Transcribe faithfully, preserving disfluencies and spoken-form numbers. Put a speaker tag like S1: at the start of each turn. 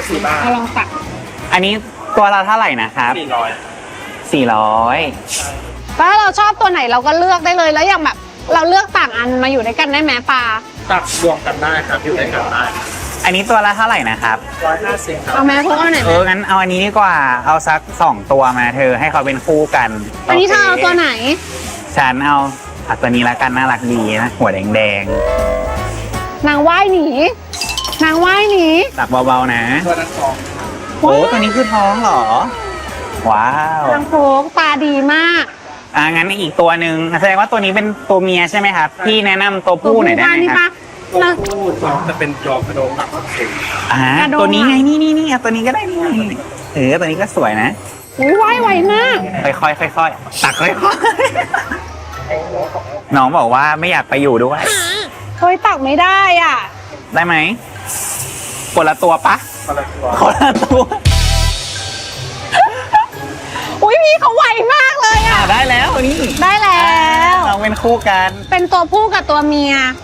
S1: สี่บาท
S2: เราลองตัก
S3: อันนี้ตัวละเท่าไหร่นะครับ
S1: สี่ร้อย
S3: สี่ร้อย
S2: ถ้าเราชอบตัวไหนเราก็เลือกได้เลยแล้วอย่างแบบ เราเลือกต่างอันมาอยู่ด้วยกันได้ไหมปลา
S1: ตักรวมกันได้ครับอยู่ในกันได้
S3: อันนี้ตัวละเท่าไหร่นะครับ
S1: ร้อยห้าสิบครั
S2: เอา
S1: บ
S2: แม่พวกเอาไหน
S3: เอองั้นเอาอันนี้ดีกว่าเอาสักสองตัวมาเธอให้เขาเป็นคู่กัน
S2: อันนี้เธอเอาตัวไหน
S3: ฉันเอาเอาตัวนี้ละกันน่ารักดีนะหัวแดง
S2: นางว่ายหนี นางว่ายหนี
S3: ๆตักเบาๆนะ
S1: ตัวนั้นสอง
S3: โอ้ตัวนี้คือท้องเหรอ ว้าว
S2: นางโฟกตาดีมาก
S3: อ่างั้นอีกตัวหนึ่งแสดงว่าตัวนี้เป็นตัวเมียใช่ไหมครับพี่แนะนำตัวผู้หน่อยได้ไหม
S2: นี่
S3: ครั
S2: ปะ
S3: บ
S1: ตัว
S2: นะ
S1: ผู้สองจะเป็นจอกกระโดงหนักสิบ
S3: อ่าก
S2: ระโดง
S3: ตัวนี้ไงนี่นี่นี่เอาตัวนี้ก็ได้นี่เออตัวนี้ก็สวยนะ
S2: อุ้ยว่ายไวมาก
S3: ค่อยๆค่อยๆตักค่อยๆน้องบอกว่าไม่อยากไปอยู่ด้วย
S2: เฮ้ยตักไม่ได้อ่ะ
S3: ได้ไหมคนละตัวปะ
S1: คนละตัว
S3: คนละตัว
S2: อุ้ยพี่เขาไวมากเลย
S3: อ่า
S2: อ่ะ
S3: ได้แล้วนี่
S2: ได้แล้ว
S3: เราเป็นคู่กัน
S2: เป็นตัวผู้กับตัวเมีย